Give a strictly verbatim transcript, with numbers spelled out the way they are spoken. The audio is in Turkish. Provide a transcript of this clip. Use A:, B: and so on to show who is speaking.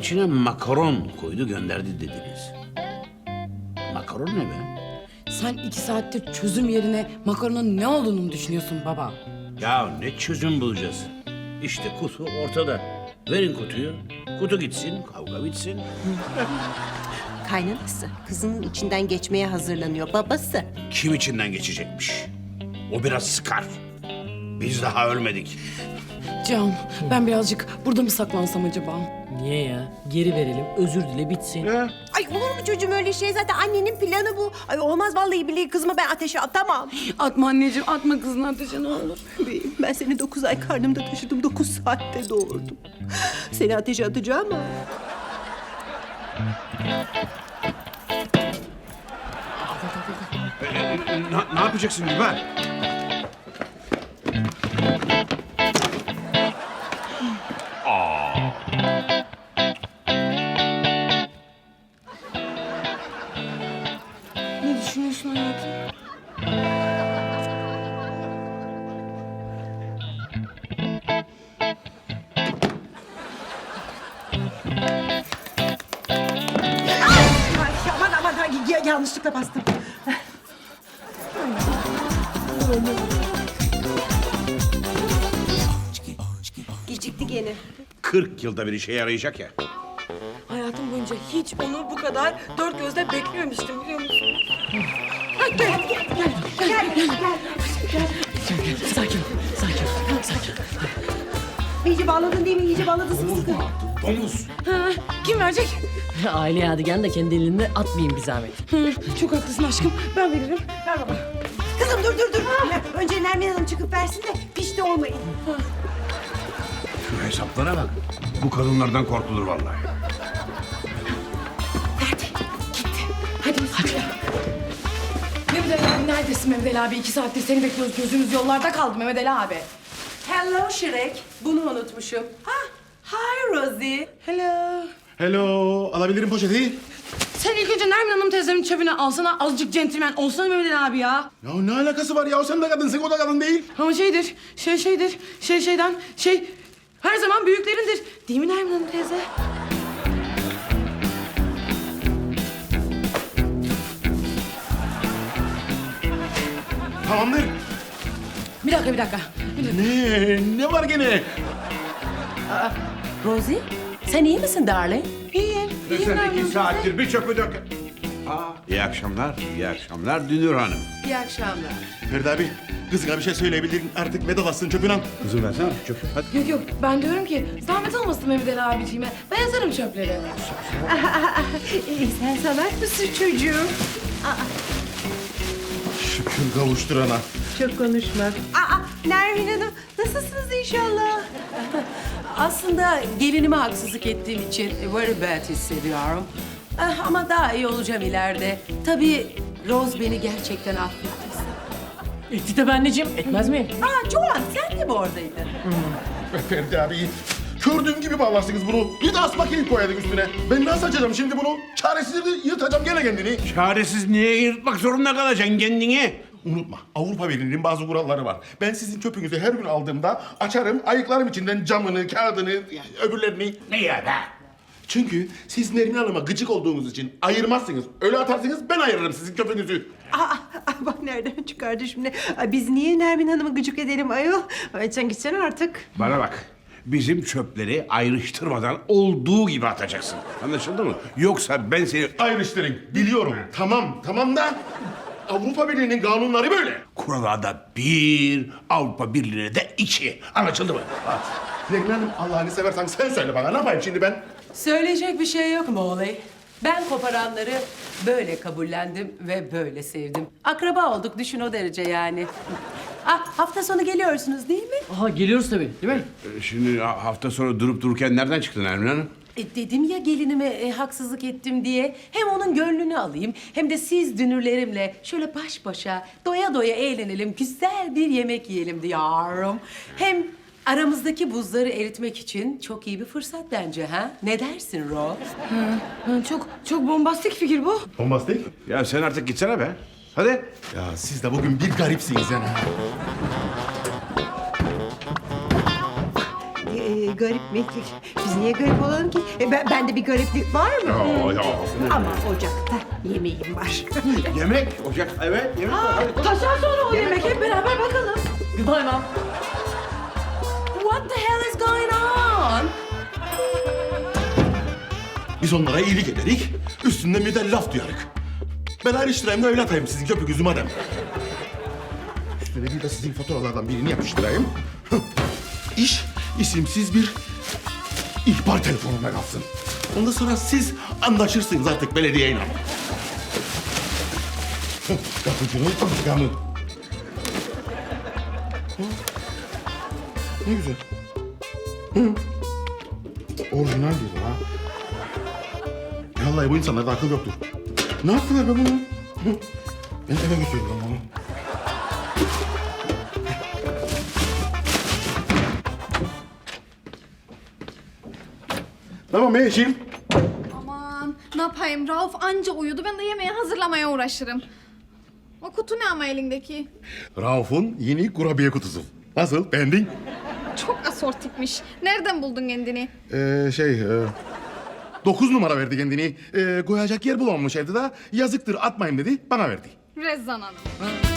A: içine makaron koydu gönderdi dediniz. Makaron ne be?
B: Sen iki saattir çözüm yerine makaronun ne olduğunu mu düşünüyorsun baba?
A: Ya ne çözüm bulacağız? İşte kutu ortada. Verin kutuyu. Kutu gitsin, kavga bitsin.
C: Kaynanası kızının içinden geçmeye hazırlanıyor, babası.
A: Kim içinden geçecekmiş? O biraz sıkar. Biz daha ölmedik.
B: Can, ben birazcık burada mı saklansam acaba?
D: Niye ya? Geri verelim, özür dile bitsin.
C: Ay olur mu çocuğum öyle şey? Zaten annenin planı bu. Ay olmaz vallahi billahi kızımı ben ateşe atamam.
B: Atma anneciğim, atma kızını ateşe ne olur.
C: Bebeğim, ben seni dokuz ay karnımda taşıdım, dokuz saatte doğurdum. Seni ateşe atacağım ama.
A: Ne, ne yapacaksın Güven?
B: Ne düşünüyorsun hayatım?
C: Ay, aman aman ay, ya- yanlışlıkla bastım. Gecikti gene.
A: Kırk yılda bir işe yarayacak ya.
B: Hayatım boyunca hiç onu bu kadar dört gözle beklememiştim biliyor musun? Ay, gel, gel, gel, gel, gel, gel.
D: Sakin, sakin, sakin.
C: İyice bağladın değil mi? İyice bağladın sıkı sıkı.
A: Domuz.
B: Ha, kim verecek?
D: Aile yadigarını da kendi elinde atmayayım bir zahmet.
B: Hı, çok haklısın aşkım. Ben veririm. Ver baba.
C: Kızım dur dur dur. Ya, önce Nermin Hanım çıkıp versin de pişti olmayın.
A: Şu hesaplara bak. Bu kadınlardan korkulur vallahi.
B: Hadi hadi. Mehmet Ali abi neredesin Mehmet Ali abi? İki saattir seni bekliyoruz. Gözümüz yollarda kaldı Mehmet Ali abi.
C: Hello Shrek. Bunu unutmuşum. Ha, hi Rosie.
B: Hello.
E: Hello, alabilirim poşeti.
B: Sen ilk önce Nermin Hanım teyzemin çöpünü alsana. Azıcık centilmen olsana Mehmet Ali abi ya.
E: Ya ne alakası var ya? Sen de kadınsın, o da kadın değil.
B: Ama şeydir, şey şeydir, şey şeyden, şey her zaman büyüklerindir. Değil mi Nermin Hanım teyze?
E: Tamamdır.
B: Bir dakika, bir dakika. Bir dakika.
E: Ne? Ne var gene?
C: Rosie, sen iyi misin darling?
B: İyiyim, iyiyim Nermin Hanım teyze.
A: bir çöpü dök. Aa, iyi akşamlar, iyi akşamlar Dünür Hanım.
C: İyi akşamlar.
E: Ferdi abi, kızına bir şey söyleyebilirim. Artık vedalaşsın çöpün al.
A: Kızım versene çöpü. Hadi.
B: Yok yok, ben diyorum ki zahmet olmasın Mehmet Ali abiciğime. Ben yazarım çöpleri.
C: İyi, sen sanat mısın çocuğum?
E: Şükür kavuşturana.
C: Çok konuşma. Aa, Nermin Hanım, nasılsınız inşallah? Aslında gelinime haksızlık ettiğim için very bad hissediyorum. Ah, ama daha iyi olacağım ileride. Tabii Rose beni gerçekten affettiyse.
D: Etti tabii anneciğim, etmez miyim?
C: Aa, Joan sen de mi oradaydın?
E: Ferdi abi, gördüğüm gibi bağlarsınız bunu. Bir de asma kilit koyardık üstüne. Ben nasıl açacağım şimdi bunu? Çaresizliği yırtacağım gene kendini.
A: Çaresiz niye yırtmak zorunda kalacaksın kendini?
E: Unutma, Avrupa Birliği'nin bazı kuralları var. Ben sizin çöpünüzü her gün aldığımda açarım, ayıklarım içinden camını, kağıdını, öbürlerini.
A: Ne ya be?
E: Çünkü siz Nermin Hanım'a gıcık olduğunuz için ayırmazsınız. Öyle atarsınız, ben ayırırım sizin çöpünüzü.
C: Aa, aa, bak nereden çıkardı şimdi. Ay, biz niye Nermin Hanım'ı gıcık edelim ayol? Ay, sen gitsene artık.
A: Bana bak. Bizim çöpleri ayrıştırmadan olduğu gibi atacaksın. Anlaşıldı mı? Yoksa ben seni
E: Ayrıştırın, biliyorum. Tamam, tamam da Avrupa Birliği'nin kanunları böyle.
A: kurala bir, Avrupa Birliği'ne de iki. Anlaşıldı mı?
E: Nermin Hanım, Allah'ını seversen sen söyle bana. Ne yapayım şimdi ben?
C: Söyleyecek bir şey yok mu olay? Ben koparanları böyle kabullendim ve böyle sevdim. Akraba olduk düşün o derece yani. Ah, hafta sonu geliyorsunuz değil mi?
D: Aha geliyoruz tabii, değil mi?
A: Ee, Şimdi ha- hafta sonu durup dururken nereden çıktın Nermin Hanım?
C: E, dedim ya gelinime e, haksızlık ettim diye. Hem onun gönlünü alayım hem de siz dünürlerimle şöyle baş başa doya doya eğlenelim. Güzel bir yemek yiyelim diyorum. Hem aramızdaki buzları eritmek için çok iyi bir fırsat bence ha? Ne dersin Rose?
B: Ha, çok çok bombastik fikir bu.
E: Bombastik.
A: Ya sen artık gitsene be. Hadi.
E: Ya siz de bugün bir garipsiniz yani.
C: Ee,
F: garip mi? Biz niye garip olalım ki? E, ben, bende bir gariplik var mı?
E: Ya ya.
F: Ama ocakta yemeğim var.
E: Yemek, ocak, evet yemek var. Hadi.
C: Taşar sonra o yemek hep beraber bakalım.
D: Goodbye mom.
C: What the hell is going on?
E: Biz onlara iyilik ederik, üstünden bir de laf duyarık. Ben ayrıştırayım da evlatayım sizin köpük yüzü madem. Üstüne bir de sizin faturalardan birini yapıştırayım. İş isimsiz bir ihbar telefonuna kalsın. Ondan sonra siz anlaşırsınız artık belediyeyle. Kapıcının intikamı. Ne güzel. Hı. Orijinal gibi ha. Vallahi bu insanlarda akıl yoktur. Ne yaptılar be bunu? Hı. Ben eve götürüyorum bunu. Tamam Eşim.
G: Aman ne yapayım Rauf anca uyudu ben de yemeği hazırlamaya uğraşırım. O kutu ne ama elindeki?
E: Rauf'un yeni kurabiye kutusu. Nasıl? Beğendin?
G: Çok asortikmiş. Nereden buldun kendini?
E: Ee, şey... E, dokuz numara verdi kendini. Ee, koyacak yer bulamamış evde de. Yazıktır atmayın dedi, bana verdi.
G: Rezzan Hanım.